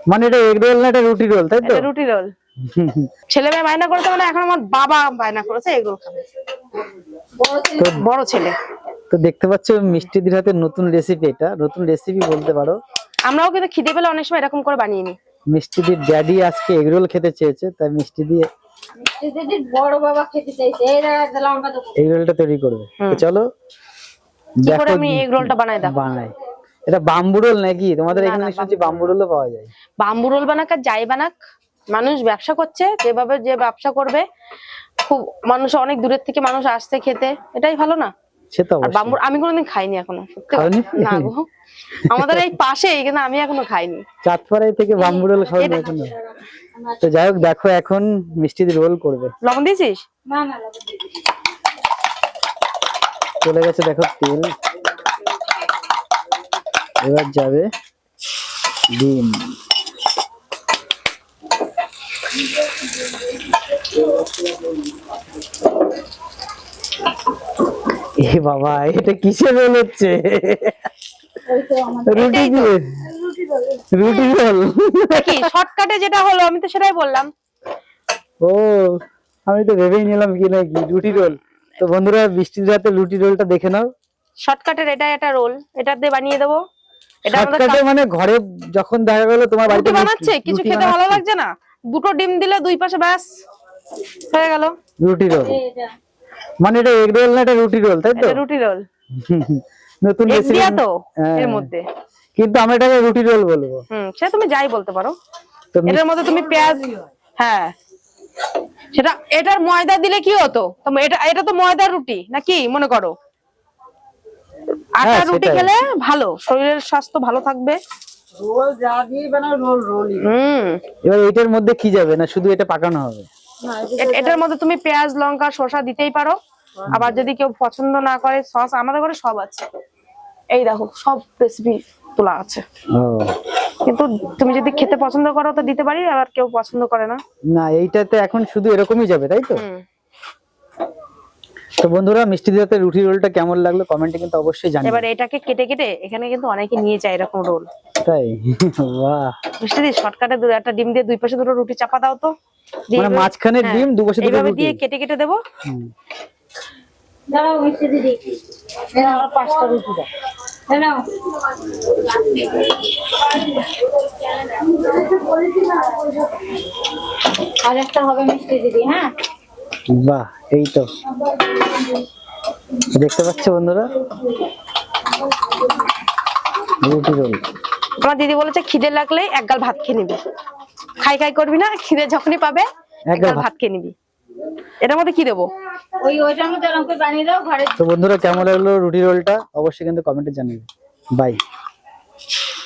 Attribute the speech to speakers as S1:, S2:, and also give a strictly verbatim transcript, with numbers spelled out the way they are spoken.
S1: মানে এটা egg roll না, এটা রুটি রোল, তাই তো?
S2: এটা রুটি রোল। ছেলে মেয়ে বায়না করেছে, মানে এখন আমার বাবা বায়না করেছে এগ রোল খাবে, বড় ছেলে।
S1: তো দেখতে পাচ্ছ মিষ্টিদির হাতে নতুন রেসিপি, এটা নতুন রেসিপি বলতে পারো।
S2: আমরাও কিন্তু খিদে পেলে অনেক সময় এরকম করে বানিয়ে নিই।
S1: মিষ্টিদির ড্যাডি আজকে এগ রোল খেতে চেয়েছে, তাই মিষ্টি দিয়ে
S3: মিষ্টিদির বড় বাবা খেতে চাইছে, এই লঙ্কা দেবো,
S1: এগ রোলটা তৈরি করবে। তো চলো
S2: কি করে
S1: দেখো
S2: আমি এগ রোলটা বানাই। দেখো
S1: বানাই। এটা বাম্বু রোল নাকি? তোমাদের এখানে শুনছি বাম্বু রোলও পাওয়া যায়।
S2: বাম্বু রোল বানাক আর যাই বানাক, মানুষ ব্যবসা করছে, যেভাবে যে ব্যবসা করবে, খুব মানুষ অনেক দূরের থেকে মানুষ আসছে খেতে, এটাই ভালো না?
S1: সে তো
S2: আর বাম্বু আমি কোনোদিন খাইনি এখনো, সত্যি না গো, আমাদের এই পাশেই, কিন্তু আমি এখনো খাইনি।
S1: চাঁদপাড়ায় থেকে বাম্বু রোল খাওয়ানো এখনো। তো যাই হোক, দেখো এখন মিষ্টিদি রোল করবে।
S2: লবণ দিয়েছিস?
S3: না না লবণ দিয়ে দিই।
S1: চলে গেছে দেখো তেল, এবার যাবে ডিম। এ বাবা, এটা কিসের রোল হচ্ছে? রুটি দিয়ে রুটি রোল
S2: কি শর্টকাটে যেটা হলো, আমি তো সেটাই বললাম।
S1: ও, আমি তো ভেবেই নিলাম কি নাকি রুটি রোল। তো বন্ধুরা, বৃষ্টির রাতে রুটি রোলটা দেখে নাও।
S2: শর্টকাটের এটা একটা রোল, এটা দিয়ে বানিয়ে দেবো। এটা আমাদের
S1: শর্টকাটে মানে ঘরে যখন দেখা গেল তোমার বাড়িতে
S2: রুটি বানাচ্ছে, কিছু খেতে ভালো লাগছে না, দুটো ডিম দিলে দুই পাশে, ব্যাস হয়ে গেল
S1: রুটি রোল।
S3: এটা
S1: মানে এটা এগ রোল না, এটা রুটি রোল, তাই তো?
S2: এটা রুটি রোল।
S1: নতুন
S2: এগ
S1: রেসিপি
S2: দিয়া তো এর মধ্যে,
S1: কিন্তু আমরা এটাকে রুটি রোল বলবো।
S2: হুম সে তুমি যাই বলতে পারো।
S1: তো
S2: এটার মধ্যে তুমি পেঁয়াজ, হ্যাঁ সেটা, এটার ময়দা দিলে কি হতো? তো এটা এটা তো ময়দার রুটি নাকি মনে করো, আটা রুটি খেলে ভালো, শরীরের স্বাস্থ্য ভালো থাকবে।
S4: রোল যা দিয়ে বানাও রোল রোলই।
S2: হুম
S1: এবার এটার মধ্যে কি যাবে না, শুধু এটা পাকানো হবে?
S2: এ- এটার মধ্যে তুমি পেঁয়াজ লঙ্কা শসা দিতেই পারো, আবার যদি কেউ পছন্দ না করে সস, আমাদের ঘরে সব আছে, এই দেখো সব রেসিপি তোলা আছে।
S1: ও
S2: কিন্তু তুমি যদি খেতে পছন্দ করো তো দিতে পারি, আবার কেউ পছন্দ করে না।
S1: না, এইটাতে এখন শুধু এরকমই যাবে, তাই তো?
S2: হুম
S1: তো বন্ধুরা, মিষ্টি দিতে রুটি রোলটা কেমন লাগলো কমেন্টে কিন্তু অবশ্যই জানিও।
S2: এবার এটাকে কেটে কেটে এখানে কিন্তু অনেকে নিয়ে যায় এরকম রোল।
S1: তাই? বাহ,
S2: মিষ্টি দি শর্টকাটে দুই একটা ডিম দিয়ে দুই পাশে দুটো রুটি চাপা দাও তো, দিয়ে
S1: মানে
S2: এইভাবে-
S1: মাঝখানে
S2: হ্যাঁ,
S1: ডিম, দুপাশে দুটো
S2: এইভাবে
S1: রুটি।
S2: দিয়ে কেটে কেটে দেবো।
S1: হুম।
S3: দাঁড়াও মিষ্টিদি দিই,
S4: এরা আমার পাঁচটা রুটি দাও।
S3: দাঁড়াও আর একটা হবে মিষ্টি দিদি। হ্যাঁ
S1: বাহ, এই তো দেখতে পাচ্ছ বন্ধুরা, রুটি রোল।
S2: আমার দিদি বলেছে খিদে লাগলে এক গাল ভাত খেয়ে নিবি, খাই খাই করবি না, খিদে যখনই পাবে এক গাল ভাত খেয়ে নিবি। এটার মধ্যে কি দেবো?
S3: ওই ওইটার মধ্যে এরকম করে বানিয়ে দাও ঘরে।
S1: তো বন্ধুরা, কেমন লাগলো রুটি রোলটা অবশ্যই কিন্তু কমেন্টে জানিয়ে। বাই।